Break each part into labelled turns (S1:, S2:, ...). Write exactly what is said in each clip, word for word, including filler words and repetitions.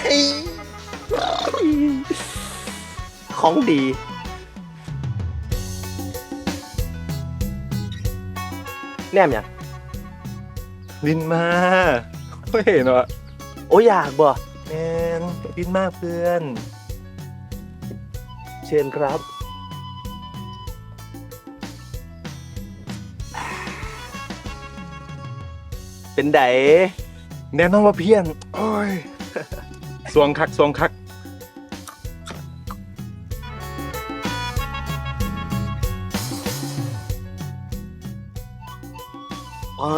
S1: ของดีแนมยัง
S2: ลินมาไม่เห็นวะ
S1: โอ้อยากบ่
S2: แมนลินมากเพื่อน
S1: เชิญครับเป็นได
S2: แน่นอนว่าเพี้ยนโอ้ยสวงคักสวงคัก
S1: อ๋อ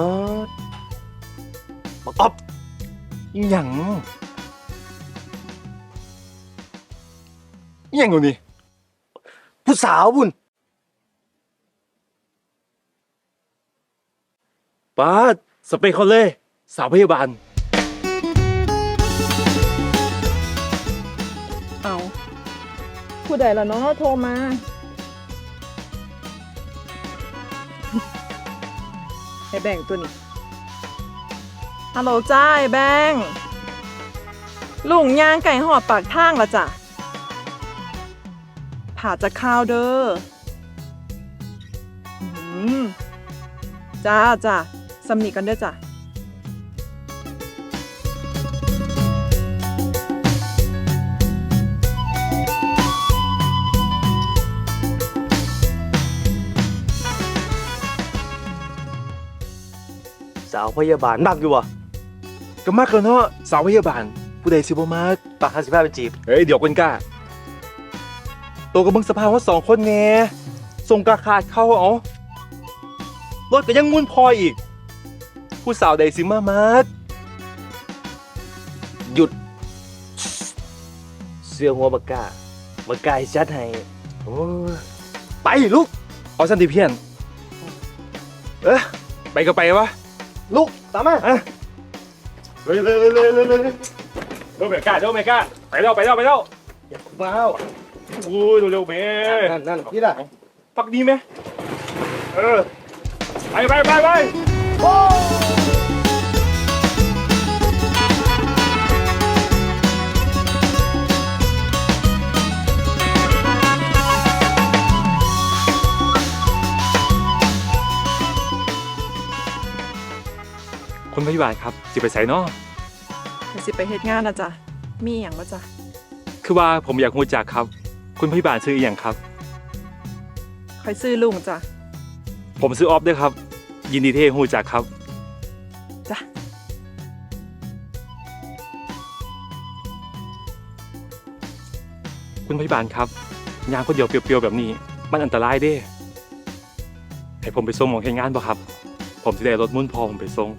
S1: บักอ๊อบ
S2: อีหยังอีหยังอยู่นี่
S1: ผู้สาวบุญ
S2: ป้าสเปคเขาเลยสาวพยาบาล
S3: เอาผู้ใดล่ะน้องโทรมาไอ้แบงตัวนี้ฮัลโหลจ้าไอ้แบงลุงยางไก่หอดปากทางละจ้ะผ่าจะข้าวเด้ออืมจ้าจ้าสำนีกันเด้อจ้ะ
S1: สาวพยาบาลมากอยู่วะ
S2: ก็มากแล้วเนาะสาวพยาบาลผู้ใดสิบ่มาก
S1: ปากห้าสิบห้าเป็นจีบ
S2: เฮ้ยเดี๋ยวคนกล้าโตกับมึงสภาพว่าสองคนแน่ส่งกระขาดเข้าเอารถก็ยังมุ่นพออีกผู้สาวใดสิมามาก
S1: หยุดเสื้อหัวบักกาบักกาให้ชัดให้โอ้ไปลูก
S2: เอาสันติเพียนเอ๊ะไปก็ไปวะ
S1: ลูกตามมา
S2: อ่ะเลยเลยเลยเลยเลยเลยเร็วเมก้าเร็วเมก้าไปเร็วไปเร็วไปเร็ว
S1: อย่าว้าว
S2: อุ้ยเร็วๆเม
S1: นั่นนั่นนี่ล่ะ
S2: ปักดีไหมเออไปไปไปไปโอ้คุณพยาบาลครับสิไปใส่เนาะ
S3: สิไปเฮ็ดงานนะจ๊ะมีอย่างบ่จ๊ะ
S2: คือว่าผมอยากรู้จักครับคุณพยาบาลซื้ออีหยังครับ
S3: คอยซื้อลุงจ้ะ
S2: ผมซื้อออฟด้วยครับยินดีที่รู้จักครับ
S3: จ้ะ
S2: คุณพยาบาลครับยางคนเดียวเปรียวๆแบบนี้มันอันตรายเด้ให้ผมไปส่งหมองเฮ็ดงานบ่ครับผมสิได้รถมุ่นพอผมไปส่ง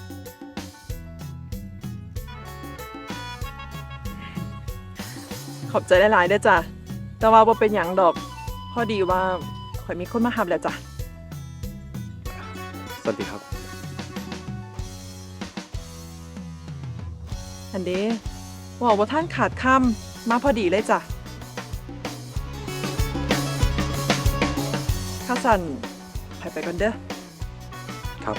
S3: ขอบใจหลายๆเด้อจ้ะแต่ว่าบ่เป็นหยังดอกพอดีว่าข่อยมีคนมาหับแล้วจ้ะ
S2: สวัสดีครับ
S3: อันเด้ว่าว่าท่านขาดคำมาพอดีเลยจ้ะข้าสั่นข่อยไปกันเด้อ
S2: ครับ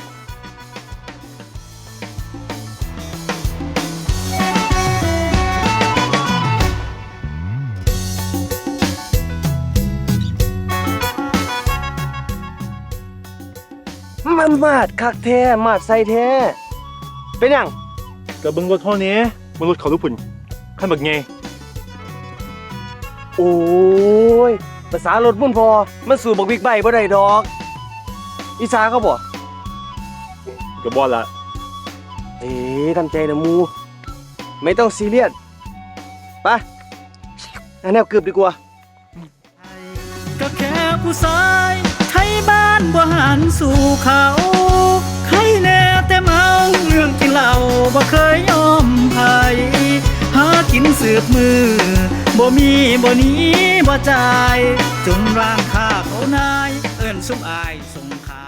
S1: มันมาดคักแท้มาดใส่แท้เป็นยัง
S2: กับเบิ้งรถเท่านี้เบิ้งรถเขาลูกปุ่นขั้นบักไง
S1: โอ้ยภาษารถมุ่นพอมันสู่บักบิ๊กไบค์บ่ได้ดอกอีสาเขาบ่
S2: กับบอลละ
S1: เอ๊ะทำใจนะมูไม่ต้องซีเรียสไปอันแนวเกือบดีกว่า
S4: ก็แค่ผู้ชายไทยบ้านบ่หันสู่เขาใครแน่แต่เมาเรื่องกินเหล้าบ่เคยยอมไผหากินสืบมือบ่มีบ่หนีบ่จ่ายจนร่างข้าเขานายเอิ้นสุมอายสงขา